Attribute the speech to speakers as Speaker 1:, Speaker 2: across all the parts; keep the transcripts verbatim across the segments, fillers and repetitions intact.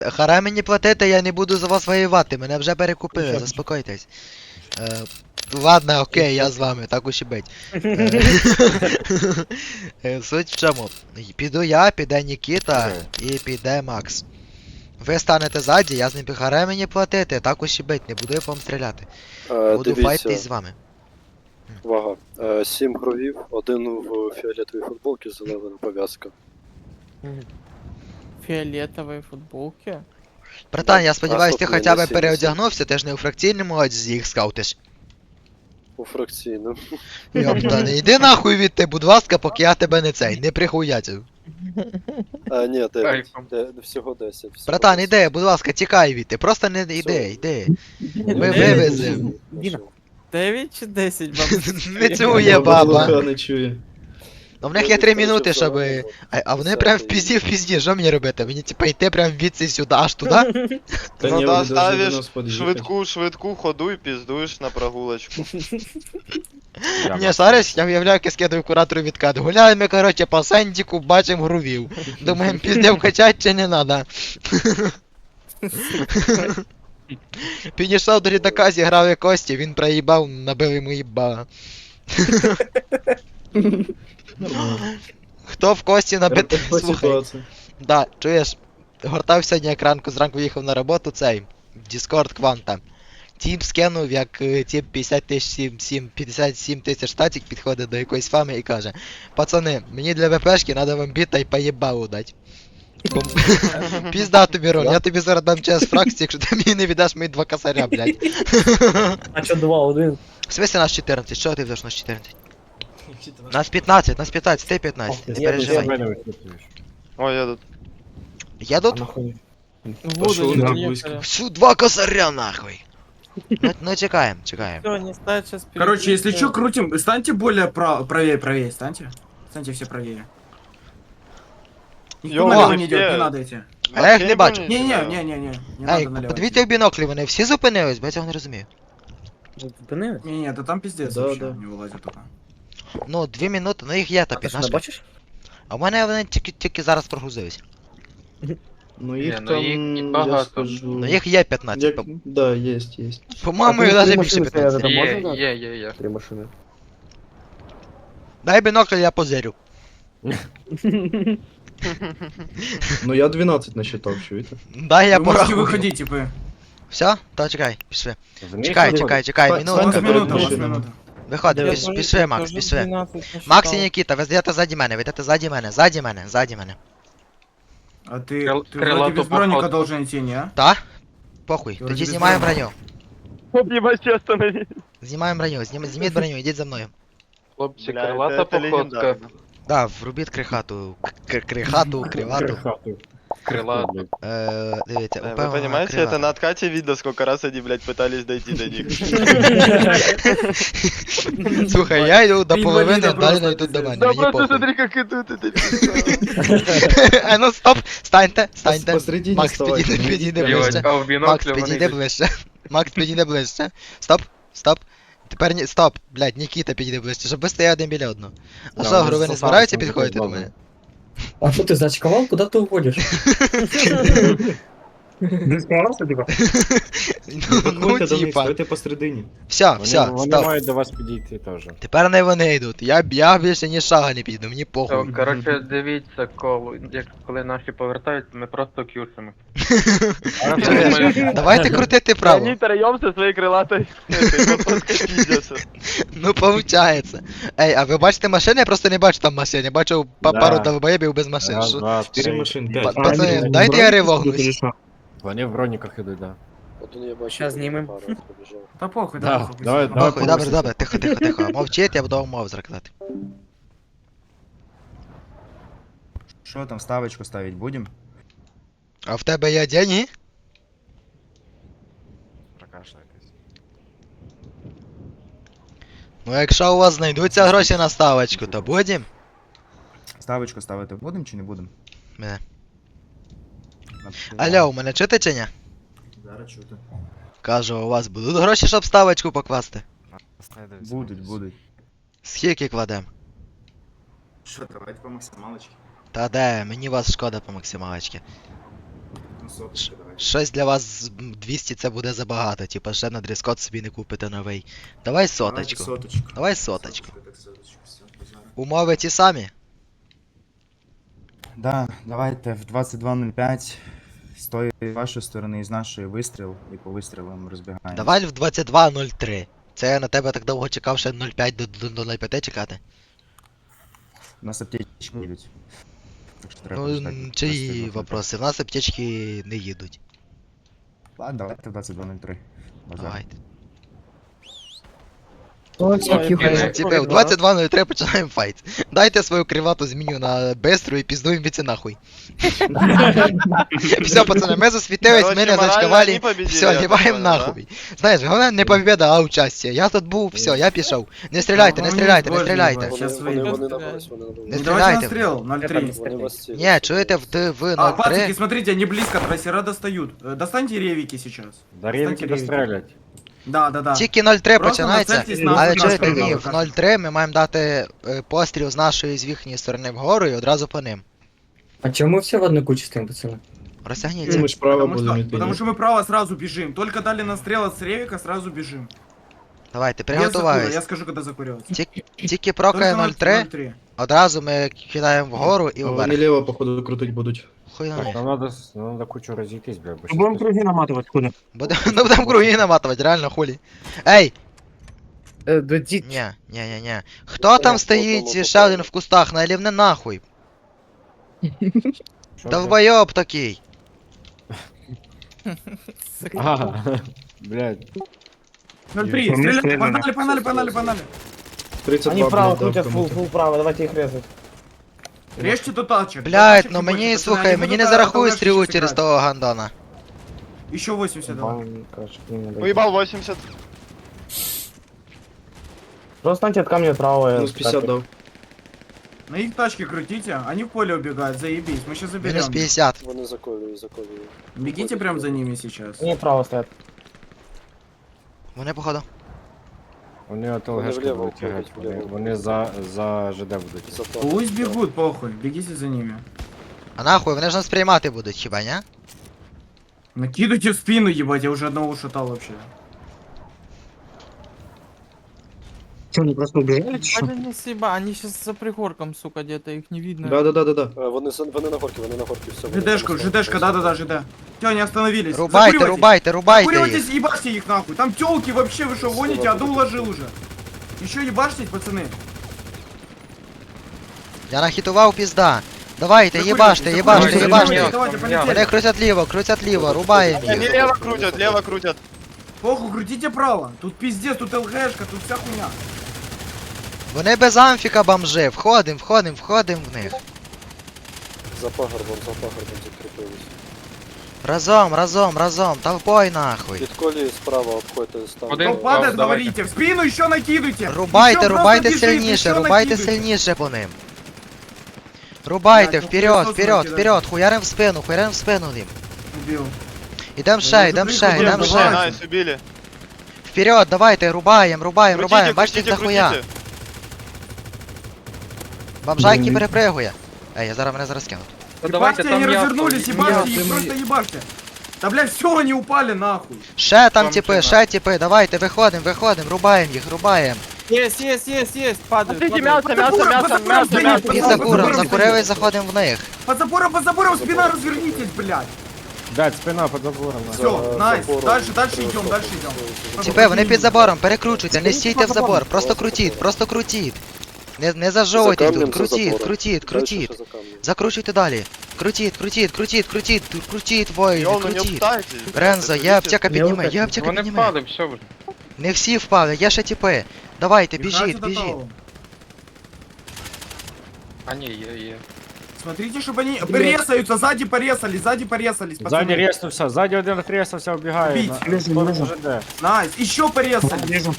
Speaker 1: Харе мені платити, я не буду за вас воювати, мене вже перекупили,
Speaker 2: Нічого.
Speaker 1: заспокойтесь. Е, ладно, окей, я з вами, так уж і бить. Е, е, Суть в чому? Піду я, піде Нікіта і піде Макс. Ви станете ззаді, я з ним харе мені платити, так уж і бить, не буду я по вам стріляти.
Speaker 3: Е,
Speaker 1: Буду файтись з
Speaker 3: Дивіться,
Speaker 1: вами.
Speaker 3: вага. Е, Сім кровів, один в фіолетовій футболці, зелена пов'язка.
Speaker 2: Фиолетовые футболки.
Speaker 1: Братан, я сподіваюсь, ти
Speaker 3: Наступний
Speaker 1: хоча б
Speaker 3: на сімдесят.
Speaker 1: переодягнувся, ти ж не у фракційному одязі їх скаутиш.
Speaker 3: У фракційному.
Speaker 1: Йопта, не йди нахуй від ти, будь ласка, поки я тебе не цей, не прихуятив.
Speaker 3: А, ні, дев'ять.
Speaker 4: Кайфом.
Speaker 3: Де- Всього десять. всього
Speaker 1: Братан,
Speaker 3: десять.
Speaker 1: іди, будь ласка, тікай від ти, просто не йди,
Speaker 3: Все.
Speaker 1: йди.
Speaker 3: Ні,
Speaker 1: Ми
Speaker 3: ні,
Speaker 1: вивеземо.
Speaker 3: ні, ні, ні.
Speaker 2: дев'ять чи десять, бабусь?
Speaker 1: Не чує баба.
Speaker 5: Слуха не чує.
Speaker 1: Ну в них є три минути, щоб. А, а вони прям в пізді в пізді, що мені робити? Мені типа йти прям звідси сюди, аж туди?
Speaker 5: Та
Speaker 6: Ну
Speaker 5: ні,
Speaker 6: да,
Speaker 5: вони должны до
Speaker 6: ставишь
Speaker 5: нас під'їхати.
Speaker 6: швидку, швидку ходу і піздуєш на прогулочку.
Speaker 1: Ні, зараз я виявляю, як я скидаю куратору відкат. Гуляємо, короче, по сендіку, бачимо грувів. Думаємо, піздев качать чи не надо. Підійшов до лідака, зіграв як Кості, він проїбав, набив йому їба. Хто в Кості набит...
Speaker 5: Така
Speaker 1: Слухай,
Speaker 5: ситуація.
Speaker 1: да, чуєш, гортав сьогодні як ранку, зранку їхав на роботу цей, в Discord Кванта. Тіп скинув, як е, тіп п'ятдесят тисяч, сім- сім- п'ятдесят сім тисяч статік підходить до якоїсь фами і каже: пацани, мені для ВПшки треба вам біта і поєбалу дать. Бом- Пізда тобі, Рон, я тобі зараз дам час фракції, якщо ти мені не віддаш мої два косаря, блядь.
Speaker 7: А чо два, один?
Speaker 1: В смысле нас чотирнадцять? Що ти взяш нас чотирнадцять? Нас п'ятнадцять, нас п'ятнадцять, ти п'ятнадцять, не переживай.
Speaker 6: Ой, я тут.
Speaker 1: Едут?
Speaker 7: Нахуй.
Speaker 5: Пошел
Speaker 2: Буду,
Speaker 5: на
Speaker 2: не
Speaker 5: близко.
Speaker 1: Всю два косаря нахуй. Ну, ну чекаем, чекаем.
Speaker 2: Все, не ставь сейчас.
Speaker 8: Короче, если что, крутим. Станьте более прав... правее, правее, станьте. Станьте все правее. Никто
Speaker 6: Йо,
Speaker 8: налево
Speaker 6: вы
Speaker 8: не
Speaker 6: все-
Speaker 8: идет, не надо идти.
Speaker 1: А я їх не бачу.
Speaker 8: Не-не, не-не-не, не
Speaker 1: Ей,
Speaker 8: надо налево.
Speaker 1: подивіться в біноклі, вони всі зупинились, бо я цього не розумію.
Speaker 7: Зупинили?
Speaker 8: Не-не, да там пиздец
Speaker 5: Да,
Speaker 8: вообще,
Speaker 5: да.
Speaker 8: не вылазит только.
Speaker 1: Ну, дві минути, ну їх є та
Speaker 7: А ти що, не
Speaker 1: п'ятнадцять.
Speaker 7: бачиш?
Speaker 1: А в мене вони тільки, тільки зараз прогрузились.
Speaker 5: Ну
Speaker 4: Ні,
Speaker 5: їх
Speaker 4: ну,
Speaker 5: там,
Speaker 4: їх і
Speaker 5: я
Speaker 4: багато.
Speaker 5: скажу...
Speaker 1: Ну їх є п'ятнадцять.
Speaker 5: Як...
Speaker 1: По-
Speaker 5: Да, есть, есть.
Speaker 1: По-моєму,
Speaker 7: А
Speaker 1: їх
Speaker 7: ти
Speaker 1: навіть
Speaker 7: машини
Speaker 1: більше
Speaker 7: стояли
Speaker 1: п'ятнадцять.
Speaker 7: там?
Speaker 4: Є,
Speaker 7: можна дати?
Speaker 4: є, є, є.
Speaker 7: Три машини.
Speaker 1: Дай бінокль, я позирю.
Speaker 5: Ну я двенадцать насчитал, чуєте?
Speaker 1: Дай я
Speaker 8: Вы можете
Speaker 1: порахую.
Speaker 8: выходить, типа.
Speaker 1: Все? То чекай, пішли. Чекай, чекай, чекай,
Speaker 5: Ста-
Speaker 8: У
Speaker 1: минуту.
Speaker 8: вас
Speaker 5: Станьте
Speaker 8: минута,
Speaker 5: перед
Speaker 8: у вас
Speaker 5: машинами.
Speaker 8: минута.
Speaker 1: Виходи,
Speaker 2: Я
Speaker 1: піш-
Speaker 2: тоже-
Speaker 1: пішли,
Speaker 2: я
Speaker 1: Макс,
Speaker 2: тоже
Speaker 1: пішли.
Speaker 2: двенадцать насчитал.
Speaker 1: Макс і Нікіта, ви йдете ззаді мене, ви йдете ззаді мене, ззаді мене, ззаді мене.
Speaker 8: А ты,
Speaker 4: Крыл-
Speaker 8: ты
Speaker 4: крылатую
Speaker 8: вроде без броника
Speaker 4: походку.
Speaker 8: должен идти, не? а?
Speaker 1: Та? Похуй,
Speaker 8: Ти
Speaker 1: тоді
Speaker 8: вроді
Speaker 1: знімаємо
Speaker 8: без
Speaker 1: броню.
Speaker 6: Об'єбачі останови.
Speaker 1: Знімаємо броню, знім... зніміть броню, йдіть за мною.
Speaker 4: Хлопці,
Speaker 6: Бля,
Speaker 4: крилата
Speaker 6: це- це
Speaker 4: походка.
Speaker 6: легендарно.
Speaker 1: Да, врубіть крихату, к- крихату, кривату.
Speaker 4: Крилата.
Speaker 1: Е, дивіться,
Speaker 6: Э, Вы
Speaker 1: упевнена
Speaker 6: понимаете,
Speaker 1: крилата.
Speaker 6: это на откате видно, сколько раз они, блядь, пытались дойти до них.
Speaker 1: Слухай, я йду до
Speaker 8: Ти
Speaker 1: половини,
Speaker 8: інваліда
Speaker 1: далі
Speaker 8: просто,
Speaker 1: не йдуть до
Speaker 8: пиздець.
Speaker 1: мене,
Speaker 6: Да
Speaker 1: мені
Speaker 6: просто
Speaker 1: похуй.
Speaker 6: смотри, как идут, это
Speaker 1: А ну стоп, станьте, станьте.
Speaker 5: Посередине
Speaker 1: Макс,
Speaker 5: вставайте,
Speaker 1: підійди,
Speaker 5: ну,
Speaker 1: підійди
Speaker 5: йдіть.
Speaker 1: ближче.
Speaker 4: А в
Speaker 1: Макс,
Speaker 4: біноклі вони
Speaker 1: підійди
Speaker 4: йдуть.
Speaker 1: ближче. Макс, підійди ближче. Стоп, стоп. Тепер ні, стоп, блядь, Нікіта підійди ближче, щоб ви стояли один біля одного. А
Speaker 7: Да,
Speaker 1: що,
Speaker 7: вони
Speaker 1: гру, ви не
Speaker 7: з
Speaker 1: збираються
Speaker 7: Сосанцем
Speaker 1: підходити до
Speaker 7: заходять,
Speaker 1: мене?
Speaker 7: А что ты зачковал? Куда ты уходишь? Не справился, типа?
Speaker 1: Ну, ну
Speaker 5: Виходьте до них,
Speaker 1: типа.
Speaker 5: стойте посередині.
Speaker 1: Все, все,
Speaker 9: Вони
Speaker 1: стоп.
Speaker 9: мають до вас підійти теж.
Speaker 1: Тепер не вони йдуть. Я, я більше ні шага не піду, мені
Speaker 4: То,
Speaker 1: похуй.
Speaker 4: коротше, дивіться, коли, як, коли наші повертаються, ми просто к'юшимо.
Speaker 1: Чуєш? Давайте крутити право.
Speaker 6: Они троем со своей крылатой этой походкой пиздятся.
Speaker 1: Ну, получается. Ей, а ви бачите машини? Я просто не бачу там машин. Я бачу па-
Speaker 9: Да.
Speaker 1: пару довбоєбів без машин.
Speaker 9: Раз,
Speaker 1: Що?
Speaker 9: два,
Speaker 5: Чотири
Speaker 9: три.
Speaker 5: машин,
Speaker 1: Па-
Speaker 5: п'ять.
Speaker 1: Пацани, дайте я ривогнусь.
Speaker 9: Вони в броніках ідуть, да.
Speaker 3: Один я бачу.
Speaker 7: Щас знімем.
Speaker 3: пара побіжав.
Speaker 8: Да похуй,
Speaker 9: Да,
Speaker 8: да, похуй.
Speaker 9: давай,
Speaker 8: пусть.
Speaker 9: давай.
Speaker 1: Похуй, добре, добре, тихо, тихо, тихо. Мовчить, я буду вам мов зракати.
Speaker 10: Что там, ставочку ставить будем?
Speaker 1: А в тебе є деньги?
Speaker 9: Прокашляйтесь.
Speaker 1: Ну, якщо у вас знайдуться гроші на ставочку, то будем.
Speaker 10: Ставочку ставити будем чи не будем?
Speaker 1: Мене.
Speaker 10: Напиши.
Speaker 1: Алло, у мене чути чи ні?
Speaker 8: Зараз чути.
Speaker 1: Кажу, у вас будуть гроші, щоб ставочку покласти?
Speaker 9: Знайдуться.
Speaker 10: Будуть, будуть.
Speaker 1: Скільки кладем?
Speaker 8: Що, давайте по максималочці.
Speaker 1: Та де, мені вас шкода по максималочці.
Speaker 8: Ну,
Speaker 5: соточку давай.
Speaker 1: Щось для вас з- м, двісті це буде забагато, типа ще на дрес-код собі не купите новий. Давай соточку.
Speaker 5: Соточку.
Speaker 1: Давай соточку.
Speaker 5: Так, соточку, все, базар.
Speaker 1: Умови ті самі?
Speaker 10: Да, давайте в двадцять два нуль п'ять з тої вашої сторони і з нашої вистріл, і по вистрілам розбігаємо.
Speaker 1: Давай в двадцять два нуль три. Це я на тебе так довго чекав, ще нуль п'ять до, до, до нуль п'ять чекати.
Speaker 10: У нас аптечки їдуть. Так що треба
Speaker 1: Ну,
Speaker 10: ждати
Speaker 1: м, чиї
Speaker 10: двадцять два нуль п'ять.
Speaker 1: вопроси? В нас аптечки не їдуть.
Speaker 10: Ладно, давайте в двадцять два нуль три. Базар.
Speaker 1: Давайте.
Speaker 2: Ой,
Speaker 1: Типи, в двадцять два нуль три починаємо файт. Дайте свою кривату зміню на бистру і піздуємо від нахуй. Все, пацани, ми засвітились, ми не зачкавали. Все, ліваємо нахуй. Знаєш, головне не побіда, а участя. Я тут був, все, я пішов. Не стріляйте, не стріляйте, не стріляйте.
Speaker 3: Вони,
Speaker 8: Щас
Speaker 3: вони,
Speaker 8: вийду.
Speaker 3: вони на вас, вони на
Speaker 1: Не
Speaker 3: вас.
Speaker 8: Не давайте
Speaker 1: стріляйте.
Speaker 8: на стрел, ноль три.
Speaker 3: Вони вас цілять.
Speaker 1: Ні, чуєте, в, д- в
Speaker 8: А,
Speaker 1: нуль
Speaker 8: пацики,
Speaker 1: три.
Speaker 8: смотрите, они близко от трассера достают. Э, Достаньте ревики сейчас.
Speaker 9: Да рівки
Speaker 8: Достаньте ревики.
Speaker 9: дострелять.
Speaker 8: Да, да, да.
Speaker 1: Тільки нуль три
Speaker 8: Просто
Speaker 1: починається,
Speaker 8: нацельтесь на
Speaker 1: але
Speaker 8: нас,
Speaker 1: чуєте,
Speaker 8: на
Speaker 1: ні,
Speaker 8: нас.
Speaker 1: в нуль три ми маємо дати е, постріл з нашої з їхньої сторони вгору і одразу по ним.
Speaker 7: А чому все в одну кучу стоїм, пацани?
Speaker 5: Ну,
Speaker 1: Розтягніться.
Speaker 5: ми ж право
Speaker 8: Потому
Speaker 5: будемо
Speaker 8: что,
Speaker 5: йти.
Speaker 8: потому что мы право сразу бежим. Только дали на стрел от с ревика, сразу бежим.
Speaker 1: Давайте,
Speaker 8: Без закура, я
Speaker 1: приготуваюсь.
Speaker 8: скажу, когда закуриваться.
Speaker 1: Тільки, тільки прокає нуль три, одразу ми кидаємо вгору і
Speaker 5: А Вони
Speaker 1: вверх.
Speaker 5: ліво, походу, крутить будуть.
Speaker 1: Хуй на
Speaker 9: Так,
Speaker 1: них.
Speaker 9: нам надо, с- нам надо кучу розійтись, бля, бо
Speaker 7: Будемо
Speaker 9: щас-
Speaker 7: круги наматувати, куди?
Speaker 1: Будемо ну, будемо круги наматувати, реально хулі. Ей!
Speaker 2: Додіть.
Speaker 1: Ні, ні, ні, ні. Хто там стоїть ще один в кустах? Налівне нахуй.
Speaker 9: Що, бля?
Speaker 1: Довбойоб такий.
Speaker 9: Ага, блядь.
Speaker 8: ноль три,
Speaker 7: По мне
Speaker 8: стреляй,
Speaker 7: стреляли.
Speaker 8: погнали, погнали, погнали, погнали.
Speaker 5: тридцять два, блядь, дав кому-то.
Speaker 7: вправо, давайте їх резати.
Speaker 8: Режьте до тачек.
Speaker 1: Блять, ну мені, слухай, мені не зарахують стрілу через того гандона.
Speaker 8: Еще восемьдесят, давай.
Speaker 6: Уїбав вісімдесят.
Speaker 7: Просто станьте от камня справа.
Speaker 5: Мінус п'ятдесят дав.
Speaker 8: На их тачке крутите, они в поле убегают, заебись, мы сейчас
Speaker 1: Мінус
Speaker 8: заберем.
Speaker 1: п'ятдесят.
Speaker 3: Вони заколюють, заколюють.
Speaker 8: Бегите прям за ними сейчас.
Speaker 7: Ні, право стоять.
Speaker 1: Вони, походу.
Speaker 9: Вони от
Speaker 3: Вони
Speaker 9: ЛГшки
Speaker 3: вліво
Speaker 9: будуть
Speaker 3: уходять,
Speaker 9: тягати, вони,
Speaker 3: вліво.
Speaker 9: вони за, за ЖД будуть.
Speaker 3: Зато.
Speaker 8: Пусть бегут, похуй, бегите за ними.
Speaker 1: А нахуй, вони ж нас приймати будуть, хіба, ні?
Speaker 8: Накидывайте в спину, ебать, я уже одного ушатал вообще.
Speaker 7: Що, вони просто убігали,
Speaker 2: Вроде не съеба, они сейчас за пригорком, сука, где-то, их не видно.
Speaker 5: Да, да, да, да, да.
Speaker 3: Е, Вони, за- вони на горці, вони на горці, все. вони
Speaker 8: ЖДшка,
Speaker 3: там
Speaker 8: ЖДшка, да-да-да, ЖД. Все, они остановились.
Speaker 1: Рубайте,
Speaker 8: Закуривайтесь.
Speaker 1: рубайте, рубайте їх.
Speaker 8: Закуривайтесь, ебашьте их нахуй. Там тёлки вообще, вы что, гоните? Одну уложил уже. Еще ебашьтесь, пацаны.
Speaker 1: Я нахитував пізда. Давайте,
Speaker 8: Закуривайтесь,
Speaker 1: їбаште,
Speaker 8: закуривайтесь,
Speaker 1: їбаште,
Speaker 8: закуривайтесь,
Speaker 1: їбаште.
Speaker 8: Давайте,
Speaker 1: Вони
Speaker 8: полетели.
Speaker 1: крутять ліво, крутять ліво, рубаємо
Speaker 6: Они
Speaker 1: їх.
Speaker 6: лево крутят, лево крутят.
Speaker 8: Похуй, крутите право. Тут пиздец, тут ЛГшка, тут вся хуйня.
Speaker 1: Вони без амфіка бомжи. Входим, входим, входим в них.
Speaker 3: За пагорбом, за пагорбом закріпились.
Speaker 1: Разом, разом, разом, толпой нахуй.
Speaker 3: Від колії справа обходьте стан.
Speaker 4: Один.
Speaker 8: Кто падает,
Speaker 4: О, давайте.
Speaker 8: говорите. В спину еще накидывайте.
Speaker 1: Рубайте,
Speaker 8: Еще
Speaker 1: рубайте
Speaker 8: просто бежите,
Speaker 1: сильніше,
Speaker 8: еще
Speaker 1: рубайте
Speaker 8: накидывайте.
Speaker 1: сильніше по ним. Рубайте,
Speaker 8: Блядь, ну
Speaker 1: вперед,
Speaker 8: хуйсос
Speaker 1: вперед,
Speaker 8: накидайте.
Speaker 1: вперед, хуярим в спину, хуярим в спину їм.
Speaker 8: Убил.
Speaker 1: Ідем
Speaker 8: Ну,
Speaker 1: ще, ідем ще,
Speaker 8: забрали,
Speaker 1: ідем
Speaker 8: забрали.
Speaker 1: ще.
Speaker 6: Найс, убили.
Speaker 1: Вперед, давайте, рубаємо, рубаємо,
Speaker 6: Крутите,
Speaker 1: рубаємо, бачите їх
Speaker 6: крутите,
Speaker 1: дохуя.
Speaker 6: крутите.
Speaker 1: Бомжайки
Speaker 7: Блін.
Speaker 1: перепригує. Ей, я зараз мене зараз кину.
Speaker 4: Ну давайте
Speaker 8: Ебашьте, они
Speaker 4: там я...
Speaker 8: развернулись, ебашьте их, просто ебашьте. Да блядь, все, они упали нахуй.
Speaker 1: Ще там
Speaker 6: Там
Speaker 1: типи,
Speaker 6: чи
Speaker 1: ще типи, давайте, виходимо, виходимо, рубаємо їх, рубаємо.
Speaker 2: Есть, есть, есть, есть, падают.
Speaker 6: Смотрите,
Speaker 2: падают.
Speaker 6: мясо, мясо,
Speaker 8: Под
Speaker 6: мясо,
Speaker 8: забором,
Speaker 6: мясо,
Speaker 8: под
Speaker 6: мясо.
Speaker 8: забором,
Speaker 1: Під
Speaker 8: под
Speaker 1: закуром,
Speaker 8: забором,
Speaker 1: закурили, заходимо в них.
Speaker 8: Под забором, под забором, спина, развернитесь, блядь.
Speaker 9: Блядь, спина під забором. на.
Speaker 8: Все,
Speaker 3: За
Speaker 8: найс,
Speaker 3: забором.
Speaker 8: дальше, дальше
Speaker 3: Е,
Speaker 8: идем, дальше идем.
Speaker 1: Типи, вони під забором, перекручуйте, не стійте в забор, просто крутіть, просто крутіть. Не, не зажовуйте
Speaker 3: За
Speaker 1: тут,
Speaker 3: камнем, за
Speaker 1: крутіть,
Speaker 3: забором.
Speaker 1: крутіть,
Speaker 3: Дальше
Speaker 1: крутіть.
Speaker 3: ще за камнем.
Speaker 1: Закручуйте далі. Крутіть, крутіть, крутіть, крутіть, крутіть, воїни,
Speaker 6: Йоу, ну не
Speaker 1: крутіть.
Speaker 6: встайте.
Speaker 1: Рензо, є аптека підніме, є аптека
Speaker 4: Вони
Speaker 1: підніме.
Speaker 4: впали, все вже.
Speaker 1: Не всі впали, є ще типи. Давайте,
Speaker 8: Играйте
Speaker 1: біжіть,
Speaker 8: до
Speaker 1: біжіть.
Speaker 8: того.
Speaker 4: А ні, є, є.
Speaker 8: Смотрите, чтобы они порезаются, сзади порезались, сзади порезались,
Speaker 9: Ззаді
Speaker 8: пацаны.
Speaker 9: резнувся, ззаді один резнувся, вбігає.
Speaker 8: Біть.
Speaker 9: на-
Speaker 7: Лежу,
Speaker 9: сторону
Speaker 7: лежу.
Speaker 9: ЖД.
Speaker 8: Найс, еще порезались.
Speaker 7: Вижу.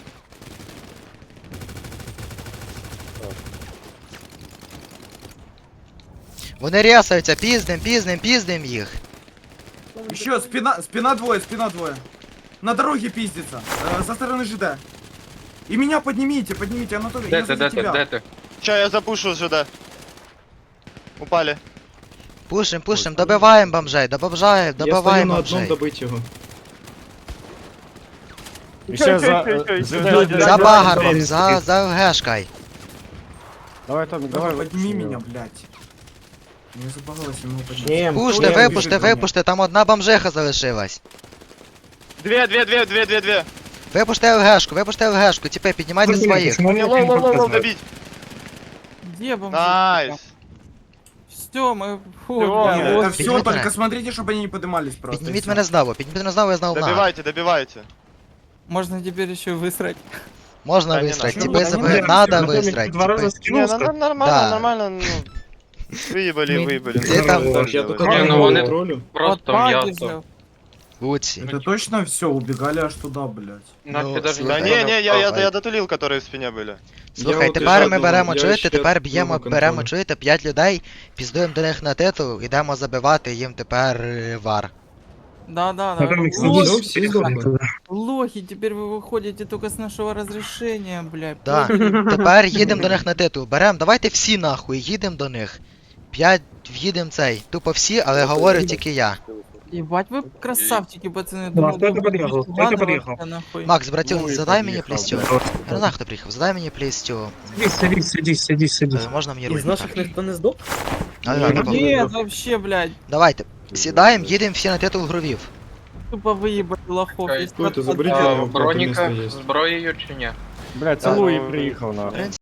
Speaker 1: Вони рясаються, піздим, піздим, піздим їх.
Speaker 8: Еще спина, спина двое, спина двое. На дороге пиздится, э, со стороны ЖД. И меня поднимите, поднимите, Анатолий,
Speaker 4: Де
Speaker 8: я
Speaker 4: ти,
Speaker 8: за
Speaker 4: де ти,
Speaker 8: тебя.
Speaker 4: де ти?
Speaker 6: Ща я запушу сюда. Упали.
Speaker 1: Пушим, пушим, добиваємо бомжей, добиваємо,
Speaker 5: Я стою
Speaker 1: добиваємо
Speaker 5: на одному
Speaker 1: бомжей.
Speaker 5: добить його.
Speaker 9: І ще за...
Speaker 6: Чуй, чуй,
Speaker 9: ЖД,
Speaker 6: чуй,
Speaker 9: ЖД.
Speaker 1: За
Speaker 7: да,
Speaker 1: багаром,
Speaker 7: да,
Speaker 1: за, за ГЕшкой.
Speaker 9: Давай, Томік, давай.
Speaker 8: Давай, подними
Speaker 9: випущу
Speaker 8: меня,
Speaker 9: його.
Speaker 8: блядь. Не забагалось ему поднять.
Speaker 7: Чем?
Speaker 1: Пуште,
Speaker 8: Кто
Speaker 1: випуште,
Speaker 8: бежит на меня?
Speaker 1: випуште, там одна бомжиха залишилась.
Speaker 6: Две, две, две, две, две, две.
Speaker 1: Випуште ЛГшку, випуште ЛГшку, тепер піднімайте своїх.
Speaker 6: Не, лоу, лоу, лоу, лоу, добить.
Speaker 2: Где бомжи?
Speaker 6: Найс.
Speaker 2: Все, мы... Фу,
Speaker 6: Всё,
Speaker 2: бля,
Speaker 8: Нет,
Speaker 2: вот.
Speaker 8: это все,
Speaker 1: Поднимите
Speaker 8: только
Speaker 1: меня.
Speaker 8: смотрите, чтобы они не поднимались просто.
Speaker 1: Підніміть
Speaker 8: и всё.
Speaker 1: мене знову, підніміть мене знову, я знову на.
Speaker 6: Добивайте, добивайте.
Speaker 2: Можно теперь еще высрать.
Speaker 1: Можна
Speaker 6: Та не
Speaker 1: висрати,
Speaker 6: надо.
Speaker 1: типи
Speaker 7: Ну,
Speaker 1: забили,
Speaker 7: та не
Speaker 1: надо
Speaker 7: надо.
Speaker 1: висрати.
Speaker 7: Два раза
Speaker 1: типи.
Speaker 6: Не, ну, ну, нормально,
Speaker 1: Да.
Speaker 6: нормально, ну. Выебали, выебали.
Speaker 1: Где там?
Speaker 5: Так, я тут
Speaker 4: Ні,
Speaker 5: одного
Speaker 4: ну вони-
Speaker 5: контролю.
Speaker 4: Просто
Speaker 2: Вот
Speaker 4: м'ясо.
Speaker 2: падежи.
Speaker 1: Луці.
Speaker 8: Это точно все, убегали аж туда, блядь.
Speaker 4: Наші
Speaker 1: Ну,
Speaker 4: даже
Speaker 6: Да
Speaker 1: слухай.
Speaker 6: не, не, я, я,
Speaker 1: Ой.
Speaker 6: я дотулил, которые в спине были.
Speaker 1: Слухай,
Speaker 5: от
Speaker 1: тепер
Speaker 5: ще
Speaker 1: ми
Speaker 5: одного-
Speaker 1: беремо,
Speaker 5: я
Speaker 1: чуєте,
Speaker 5: ще
Speaker 1: тепер
Speaker 5: одного
Speaker 1: б'ємо,
Speaker 5: контролю.
Speaker 1: беремо, чуєте, п'ять людей, піздуємо до них на титул, ідемо забивати їм тепер е, вар.
Speaker 2: Да, да, да.
Speaker 7: Потом их
Speaker 5: Ну,
Speaker 2: Лохи,
Speaker 5: все, всі здохли.
Speaker 2: лохи, теперь вы выходите только с нашего разрешения, блядь.
Speaker 1: Да. Тепер їдемо до них на титул. Беремо, давайте всі нахуй, їдемо до них. П'ять в'їдемо цей. Тупо всі, але говорю тільки я.
Speaker 2: Ебать, вы красавчики, пацаны.
Speaker 7: Ну, а
Speaker 2: Думал,
Speaker 7: кто это
Speaker 2: вы
Speaker 7: подъехал?
Speaker 2: будете
Speaker 7: Кто это
Speaker 2: радоваться,
Speaker 7: подъехал?
Speaker 2: нахуй.
Speaker 1: Макс, братюк,
Speaker 9: Ну і
Speaker 1: задай мені
Speaker 9: поїхав,
Speaker 1: плістю.
Speaker 9: блядь.
Speaker 1: Я не знаю, хто приїхав. Задай мені плістю.
Speaker 7: Садись, садись, садись, садись, садись.
Speaker 1: Е, Можна мені
Speaker 7: Из
Speaker 1: руль?
Speaker 7: наших никто не сдох?
Speaker 1: А, давай,
Speaker 5: Ні,
Speaker 1: давай.
Speaker 2: Нет, вообще, блядь,
Speaker 1: Давайте. Сідаємо, їдемо всі на титул грувів.
Speaker 2: тупо выебали лохов.
Speaker 4: Чекай.
Speaker 2: Если
Speaker 5: Ой, ты
Speaker 2: от-
Speaker 5: заберите
Speaker 2: от-
Speaker 5: его.
Speaker 4: Броніка
Speaker 5: Место є.
Speaker 4: зброєю чи ні?
Speaker 9: Блядь, це
Speaker 6: Да,
Speaker 9: Луї
Speaker 6: ну,
Speaker 9: приїхав, нахуй.